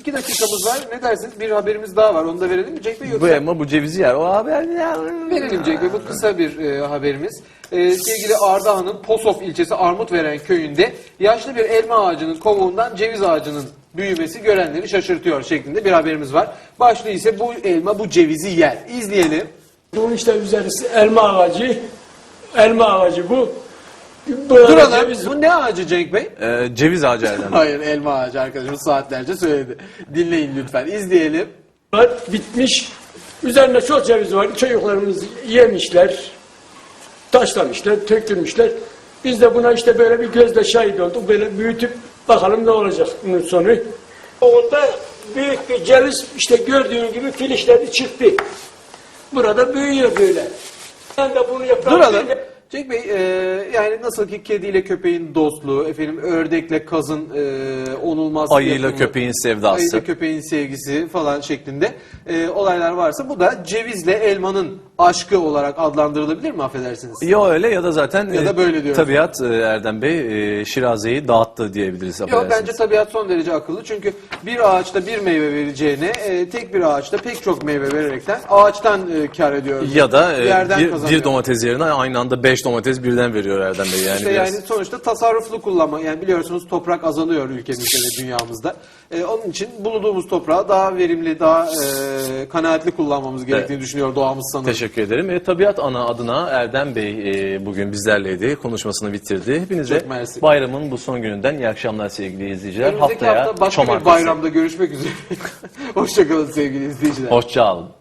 2 dakikamız var. Ne dersiniz? Bir haberimiz daha var. Onu da verelim mi Cenk Bey? Yoksa... Bu elma bu cevizi yer. O haber ya. Verelim Cenk Bey. Bu kısa bir haberimiz. Sevgili Ardahan'ın Posof ilçesi Armutveren köyünde yaşlı bir elma ağacının kovuğundan ceviz ağacının büyümesi görenleri şaşırtıyor şeklinde bir haberimiz var. Başlığı ise bu elma bu cevizi yer. İzleyelim. Bunun işte üzerisi elma ağacı. Elma ağacı bu. Duralım. Ceviz. Bu ne ağacı Cenk Bey? Ceviz ağacı Erdem Bey. Hayır, elma ağacı arkadaşımız saatlerce söyledi. Dinleyin lütfen. İzleyelim. Var, bitmiş. Üzerinde çok ceviz var. Çocuklarımız yemişler. Taşlamışlar, tökülmüşler. Biz de buna işte böyle bir gözle şahit olduk. Böyle büyütüp bakalım ne olacak bunun sonu. Onda büyük bir ceviz işte gördüğün gibi filişleri çıktı. Burada büyüyor böyle. Ben de bunu yaparım. Duralım. Cenk Bey, yani nasıl ki kediyle köpeğin dostluğu, efendim ördekle kazın onulmaz Ayıyla yapımı, köpeğin sevdası. ayıyla köpeğin sevgisi falan şeklinde olaylar varsa bu da cevizle elmanın aşkı olarak adlandırılabilir mi affedersiniz? Ya öyle ya da zaten Ya da böyle diyoruz. tabiat Erdem Bey Şiraze'yi dağıttı diyebiliriz. Yok, affedersiniz. bence tabiat son derece akıllı çünkü bir ağaçta bir meyve vereceğine tek bir ağaçta pek çok meyve vererekten ağaçtan kar ediyor. Ya da Yerden bir kazanıyor. domates yerine aynı anda 5 domates birden veriyor Erdem Bey. Yani, İşte biraz... yani sonuçta tasarruflu kullanma. Yani biliyorsunuz toprak azalıyor ülkemizde ve dünyamızda. Onun için bulunduğumuz toprağı daha verimli, daha kanaatli kullanmamız gerektiğini düşünüyor doğamız sanırım. Teşekkür ederim. Tabiat Ana adına Erdem Bey bugün bizlerleydi. Konuşmasını bitirdi. Hepinize Çok mersi. bayramın bu son gününden iyi akşamlar sevgili izleyiciler. Önümüzdeki Haftaya hafta başka bir Çomartesi. bayramda görüşmek üzere. Hoşçakalın sevgili izleyiciler. Hoşça kalın.